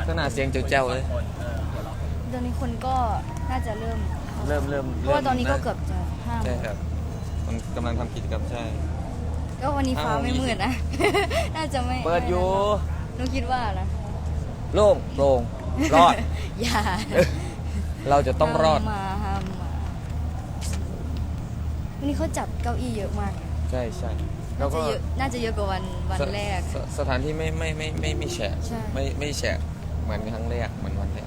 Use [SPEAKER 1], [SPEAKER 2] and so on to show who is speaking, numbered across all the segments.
[SPEAKER 1] ขนาดเสียงเจ้าๆเลย
[SPEAKER 2] ตอนนี้คนก็น่าจะเริ่มเพราะว่าตอนนี้ก็เกือบจะ5
[SPEAKER 1] ใช่ครับมันกำลังทำกิจกรรมใช่
[SPEAKER 2] ก็วันนี้ฟ้าไม่มืดนะ น่าจะไม่
[SPEAKER 1] เปิดอยู่
[SPEAKER 2] หนูคิดว่านะ
[SPEAKER 1] โล่งโปร่งรอด
[SPEAKER 2] อย่า
[SPEAKER 1] เราจะต้องรอด
[SPEAKER 2] ห้ามมาวันนี้เขาจัดเก้าอี้เยอะมาก
[SPEAKER 1] ใช่ใช่แล้
[SPEAKER 2] น่าว จะเยอะกว่าวันแรก
[SPEAKER 1] สถานที่ไม่มีแฉะไม่แฉะเหมือนครั้งแรกเหมือนวันแรก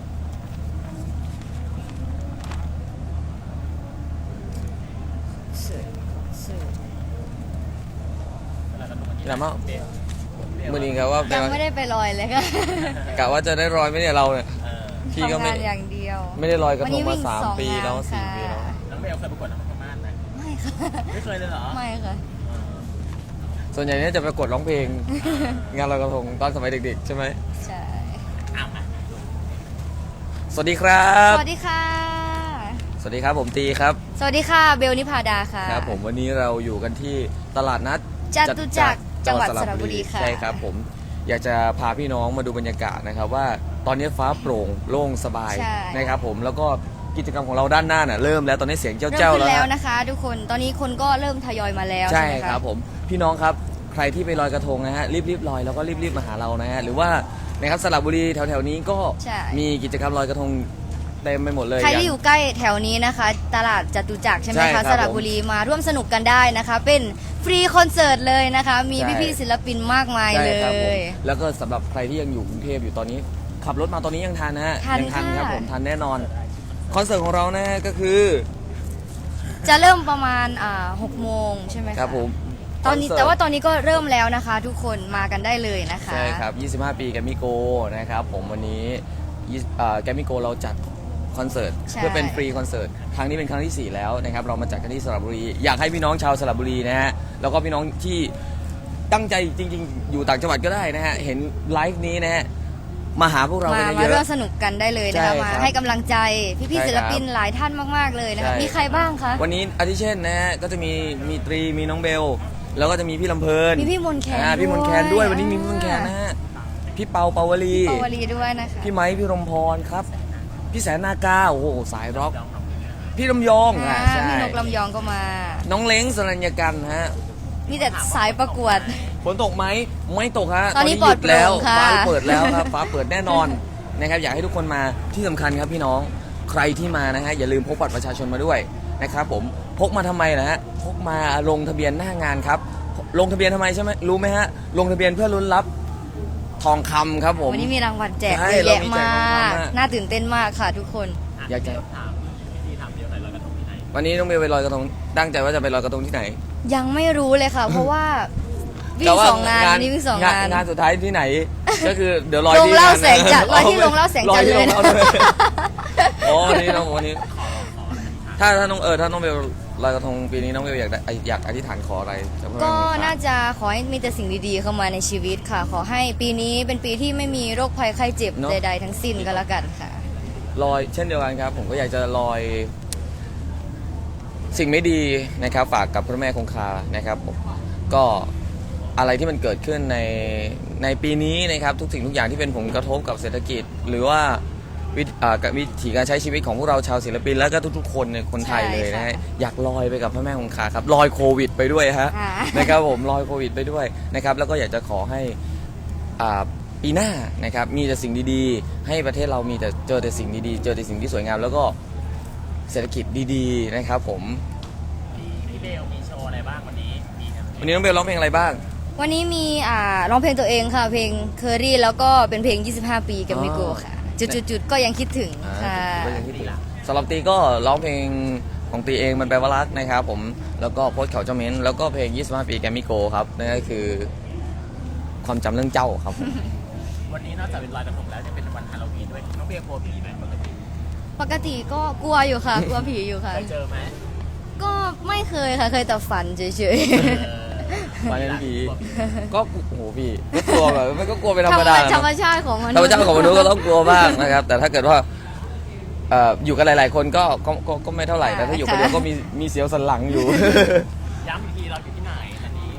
[SPEAKER 1] แล้วมั้งมือนี้ครับว่า
[SPEAKER 2] ยังไม่ได้ไปลอยเลยค่ะ
[SPEAKER 1] กะว่าจะได้ลอยไหมเนี่ยเราเนี่ยพี่ก็
[SPEAKER 2] ทำงานอย่างเดียว
[SPEAKER 1] ไม่ได้ลอยกระทงมา3 ปีแล้ว4 ปีแล้ว
[SPEAKER 3] น้องเบลเคยประกวดนครพนมไหม
[SPEAKER 2] ไม่ค่ะ
[SPEAKER 3] ไม่เคยเลยเหรอ
[SPEAKER 2] ไม่ค่ะ
[SPEAKER 1] ส่วนใหญ่เนี่ยจะประกวดร้องเพลงงานลอยกระทงตอนสมัยเด็กๆใช่ไหม
[SPEAKER 2] ใช่
[SPEAKER 1] สวัสดีครับ
[SPEAKER 2] สวัสดีค่ะ
[SPEAKER 1] สวัสดีครับผมตีครับ
[SPEAKER 2] สวัสดีค่ะเบลนิพาดาค่ะ
[SPEAKER 1] ครับผมวันนี้เราอยู่กันที่ตลาดนัด
[SPEAKER 2] จตุจักรจังหวัดสระบุรีค่ะ
[SPEAKER 1] ใช่ครับผมอยากจะพาพี่น้องมาดูบรรยากาศนะครับว่าตอนนี้ฟ้าโปร่งโล่งสบายนะครับผมแล้วก็กิจกรรมของเราด้านหน้าน่ะเริ่มแล้วตอนนี้เสียงเจ้า
[SPEAKER 2] แล้วนะคะทุกคนตอนนี้คนก็เริ่มทยอยมาแล้ว
[SPEAKER 1] ใช่ครับผมพี่น้องครับใครที่ไปลอยกระทงนะฮะรีบลอยแล้วก็รีบมาหาเรานะฮะหรือว่านะครับสระบุรีแถวๆนี้ก็มีกิจกรรมลอยกระทงเต็มไปหมดเลย
[SPEAKER 2] ใครที่อยู่ใกล้แถวนี้นะคะตลาดจตุจักรใช่ไหมคะสระบุรีมาร่วมสนุกกันได้นะคะเป็นฟรีคอนเสิร์ตเลยนะคะมีพี่ๆศิลปินมากมายเลย
[SPEAKER 1] แล้วก็สำหรับใครที่ยังอยู่กรุงเทพอยู่ตอนนี้ขับรถมาตอนนี้ยังทันนะฮะยังทันครับผมทันแน่นอนคอนเสิร์ตของเรานะฮะก็คือ
[SPEAKER 2] จะเริ่มประมาณ6 โมงใช่ไหม
[SPEAKER 1] ครับผม
[SPEAKER 2] ตอนนี้แต่ว่าตอนนี้ก็เริ่มแล้วนะคะทุกคนมากันได้เลยนะคะ
[SPEAKER 1] ใช่ครับ25 ปีแกมมี่โกนะครับผมวันนี้แกมมี่โกเราจัดคอนเสิร์ตเพื่อเป็นฟรีคอนเสิร์ตครั้งนี้เป็นครั้งที่4แล้วนะครับเรามาจัดกันที่สระบุรีอยากให้พี่น้องชาวสระบุรีนะฮะแล้วก็พี่น้องที่ตั้งใจจริงๆอยู่ต่างจังหวัดก็ได้นะฮะเห็นไลฟ์นี้นะฮะมาหาพวกเรากันเยอะมา
[SPEAKER 2] ร่วมสนุกกันได้เลยนะคะมาให้กำลังใจพี่ๆศิลปินหลายท่านมากๆเลยนะคะมีใครบ้างคะ
[SPEAKER 1] วันนี้อาทิเช่นนะฮะก็จะมีตรีมีน้องเบลแล้วก็จะมีพี่ลำเพลิน
[SPEAKER 2] มีพี่มนแคน
[SPEAKER 1] พี่มนแคนด้วยวันนี้มีพี่มนแคนนะฮะพี่เปาวลี
[SPEAKER 2] ด้วยนะคะ
[SPEAKER 1] พี่ไม้พี่รมพรครับพี่แสนนากาโอ้โหสายร็อกพี่ลำยอง
[SPEAKER 2] ใช่พี่นกลำยองก็มา
[SPEAKER 1] น้องเล้งสรัญญกันฮะ
[SPEAKER 2] มีแต่สายประกวด
[SPEAKER 1] ฝนตกไหมไม่ตกฮะ
[SPEAKER 2] ตอนนี้ปลอดแล้ว
[SPEAKER 1] ฟ้าเปิดแล้วครับฟ้าเปิดแน่นอนนะครับอยากให้ทุกคนมาที่สำคัญครับพี่น้องใครที่มานะฮะอย่าลืมพกบัตรประชาชนมาด้วยนะครับผมพกมาทำไมนะฮะพกมาลงทะเบียนหน้างานครับลงทะเบียนทำไมใช่ไหมรู้ไหมฮะลงทะเบียนเพื่อลุ้นรับทองคำครับผม
[SPEAKER 2] วันนี้มีรางวัลแจกเยอะแยะมากน่าตื่นเต้นมากค่ะทุกคน
[SPEAKER 1] อยากจะวันนี้ต้องไปลอยกระทงตั้งใจว่าจะไปลอยกระทงที่ไหน
[SPEAKER 2] ยังไม่รู้เลยค่ะเพราะว่าวิ่ง2 งานนี่วิ่ง2
[SPEAKER 1] งานสุดท้ายที่ไหนก็คือเดี๋ยวลอย
[SPEAKER 2] ที่ลงเล่าแสงจัดลอยที่ลงเล่าแสงจัดเลย
[SPEAKER 1] อ๋อนี่น้องวันนี้ถ้าน้องถ้าน้องเบลลอยกระทงปีนี้น้องเบลอยากอธิษฐานขออะไร
[SPEAKER 2] ก็น่าจะขอให้มีแต่สิ่งดีๆเข้ามาในชีวิตค่ะขอให้ปีนี้เป็นปีที่ไม่มีโรคภัยไข้เจ็บใดๆทั้งสิ้นก็แล้วกันค่ะ
[SPEAKER 1] ลอยเช่นเดียวกันครับผมก็อยากจะลอยสิ่งไม่ดีนะครับฝากกับพระแม่คงคานะครับผมก็อะไรที่มันเกิดขึ้นในปีนี้นะครับทุกสิ่งทุกอย่างที่เป็นผลกระทบกับเศรษฐกิจหรือว่าวิถีการใช้ชีวิตของพวกเราชาวศิลปินแล้วก็ทุกๆคนในคนไทยเลยนะฮะอยากลอยไปกับพระแม่คงคาครับลอยโควิดไปด้วยฮะนะครับผมลอยโควิดไปด้วยนะครับแล้วก็อยากจะขอให้ปีหน้านะครับมีแต่สิ่งดีๆให้ประเทศเรามีแต่เจอแต่สิ่งดีๆเจอแต่สิ่งที่สวยงามแล้วก็เศรษฐกิจดีๆนะครับผม
[SPEAKER 3] พี่เบลมีโชว์อะไรบ้างวันนี้
[SPEAKER 1] น้องเบลร้องเพลงอะไรบ้าง
[SPEAKER 2] วันนี้มีร้องเพลงตัวเองค่ะเพลงเคอรี่แล้วก็เป็นเพลง25 ปีกับมิโกค่ะจุดๆก็ยังคิดถึงค่ะ
[SPEAKER 1] สำหรับตีก็ร้องเพลงของตีเองมันแปลว่ารักนะครับผมแล้วก็โพสต์เขาเจ้าเม้นแล้วก็เพลง25 ปีแกมมิโกครับนั่นก็คือความจำเรื่องเจ้าครับ
[SPEAKER 3] วันนี้นอกจากเป็นลอยกระทงแล้วจะเป็นวันฮาโลวีนด้วยน้องเบลกลัวผีไหม
[SPEAKER 2] ปกติก็กลัวอยู่ค่ะกลัวผีอยู่ค่ะ
[SPEAKER 3] เคยเจอไหม
[SPEAKER 2] ก็ไม่เคยค่ะเคยแต่ฝันเฉย
[SPEAKER 1] ๆฝันเห็นผีก็โอ้โหพี่ก็กลัวแบบมันก็กลัวเป็นธรรมดา
[SPEAKER 2] ธรรมชาติของมนุษย์
[SPEAKER 1] ธรรมชาติของมนุษย์ก็ต้องกลัวบ้างนะครับแต่ถ้าเกิดว่าอยู่กันหลายๆคนก็ไม่เท่าไหร่แต่ถ้าอยู่คนเดียวก็มีเสียวสันหลังอยู่
[SPEAKER 3] ย้ำอีกทีเราอยู่ที่ไหน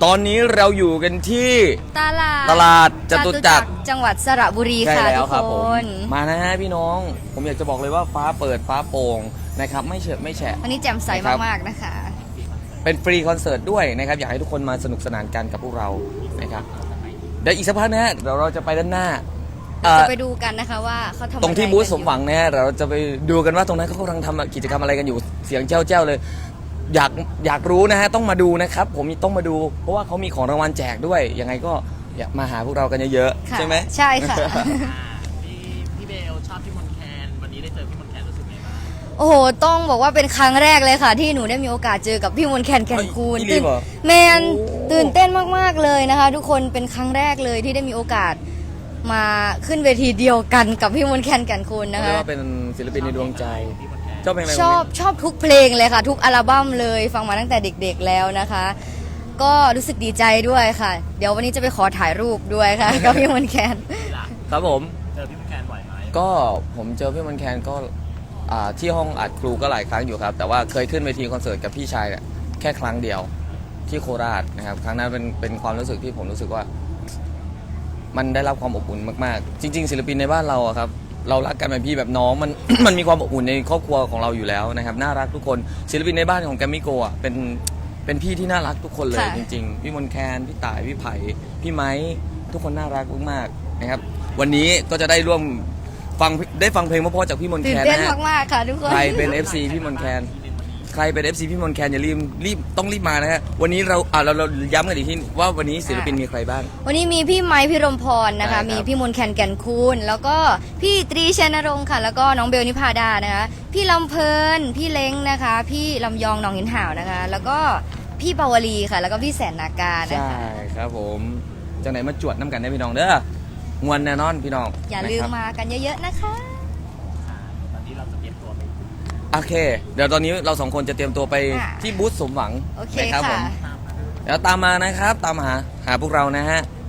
[SPEAKER 1] ตอนนี้เราอยู่กันที่
[SPEAKER 2] ตลาด
[SPEAKER 1] จตุจักร
[SPEAKER 2] จังหวัดสระบุรี
[SPEAKER 1] ใช่
[SPEAKER 2] ค่ะ
[SPEAKER 1] แล้
[SPEAKER 2] ทุ
[SPEAKER 1] ว
[SPEAKER 2] ก
[SPEAKER 1] ครับ
[SPEAKER 2] ค
[SPEAKER 1] ผม
[SPEAKER 2] น
[SPEAKER 1] มานะฮะพี่น้อง ผมอยากจะบอกเลยว่าฟ้าเปิดฟ้าโปร่งนะครับไม่เฉอะไม่แฉะ
[SPEAKER 2] วันนี้แจ่มใส
[SPEAKER 1] นะครับ
[SPEAKER 2] มากๆนะคะ
[SPEAKER 1] เป็นฟรีคอนเสิร์ตด้วยนะครับอยากให้ทุกคนมาสนุกสนานกันกับพวกเรานะครับเดี๋ยวอีกสักพักนะฮะเดี๋ยวเราจะไปด้านหน้า
[SPEAKER 2] จะไปดูกันนะคะว่าเขาทำ
[SPEAKER 1] ตรงที่
[SPEAKER 2] อะไ
[SPEAKER 1] บูธสมห
[SPEAKER 2] กันอยู่
[SPEAKER 1] วังนะฮะเราจะไปดูกันว่าตรงนั้นเขากำลังทำกิจกรรมอะไรกันอยู่เสียงเจ้าเลย อยากรู้นะฮะต้องมาดูนะครับผมต้องมาดู เพราะว่าเขามีของรางวัลแจกด้วยยังไงก็อยากมาหาพวกเรากันเยอะๆ
[SPEAKER 2] ค่ะ
[SPEAKER 1] ใช่ไหม
[SPEAKER 2] ใช่ค่ะ
[SPEAKER 3] พี่เบลชอบพี่มนแคนวันนี้ได้เจอพี่มนแคนรู้สึกไงบ้าง
[SPEAKER 2] โอ้โห ต้องบอกว่าเป็นครั้งแรกเลยค่ะ ที่หนูได้มีโอกาสเจอกับพี่มนต์แคนแก่นคูณ
[SPEAKER 1] เอ้ยอีหลีเหรอ
[SPEAKER 2] แมน
[SPEAKER 1] โอ้
[SPEAKER 2] ตื่นเต้นมากๆเลยนะคะ ทุกคนเป็นครั้งแรกเลยที่ได้มีโอกาสมาขึ้นเวทีเดียวกันกับพี่มนต์แคนแก่นคูณนะ
[SPEAKER 1] เรีย
[SPEAKER 2] คะ
[SPEAKER 1] กว่าเป็นศิลปินในดวงใจ
[SPEAKER 3] พี่มนแคน
[SPEAKER 1] ชอบเพลงอะไร
[SPEAKER 2] ชอบทุกเพลงเลยค่ะ ทุกอัลบั้มเลยฟังมาตั้งแต่เด็กๆแล้วนะคะ ก็รู้สึกดีใจด้วยค่ะ เดี๋ยววันนี้จะไปขอถ่ายรูปด้วยค่ะ กับพี่มนต์แคน
[SPEAKER 3] ที่หลัก
[SPEAKER 1] ครับผม
[SPEAKER 3] เจอพี่มนแคนบ่อยไหม
[SPEAKER 1] ก็ผมเจอพี่มันแคนก็ที่ห้องอัดครูก็หลายครั้งอยู่ครับ แต่ว่าเคยขึ้นเวทีคอนเสิร์ตกับพี่ชายเนี่ยแค่ครั้งเดียวที่โคราชนะครับครั้งนั้นเป็นความรู้สึกที่ผมรู้สึกว่า มันได้รับความอบอุ่นมากๆ จริง ๆ ศิลปินในบ้านเราอะครับเรารักกันแบบพี่แบบน้องมัน มันมีความอบอุ่นในครอบครัวของเราอยู่แล้วนะครับน่ารักทุกคนศิลปินในบ้านของแกมมี่โกะเป็นพี่ที่น่ารักทุกคนเลย
[SPEAKER 2] ค่ะ
[SPEAKER 1] จริง ๆ พี่มนแคนพี่ต่ายพี่ไผ่พี่ไม้ทุกคนน่ารักมากๆนะครับวันนี้ก็จะได้ร่วมฟังเพลงเพราะๆจากพี่มน
[SPEAKER 2] ตื่
[SPEAKER 1] แคน น
[SPEAKER 2] เต้น
[SPEAKER 1] นะฮะ
[SPEAKER 2] มากๆค่ะทุกคน
[SPEAKER 1] ใครเป็น FC พี่มนแคนใครเป็น FC พี่มนแคนอย่ารีบต้องรีบมานะฮะวันนี้เราย้ำกันอีกทีว่าวันนี้ศิลปินมีใครบ้าง
[SPEAKER 2] วันนี้มีพี่ไม้พี่รมพรนะคะ
[SPEAKER 1] ใช่ครับ
[SPEAKER 2] มีพี่มนต์แคนแก่นคูณแล้วก็พี่ตรีชัยนรงค์ค่ะ แล้วก็น้องเบลนิพาดานะคะ พี่ลำเพลิน พี่เล้งนะคะ พี่ลำยองหนองหินห่าวนะคะ แล้วก็พี่ปาวลีค่ะ แล้วก็พี่แสนนาการนะ
[SPEAKER 1] ใช่
[SPEAKER 2] คะ
[SPEAKER 1] ครับผมจังไหนมาจวดน้ำกันได้พี่น้องเด้อมวนแน่นอนพี่น้อง
[SPEAKER 2] อย่าลืม
[SPEAKER 1] นะครับ
[SPEAKER 2] มากันเยอะๆนะคะ
[SPEAKER 3] ตอนนี้เราจะเตรียมตัวไป
[SPEAKER 1] โอเค เดี๋ยวตอนนี้เราสองคนจะเตรียมตัวไป
[SPEAKER 2] ค่ะ
[SPEAKER 1] ที่บูธสมหวัง
[SPEAKER 2] โอเค
[SPEAKER 1] นะครับผ
[SPEAKER 2] ค่ะ
[SPEAKER 1] มเดี๋ยวตามมานะครับตามหาพวกเรานะฮะ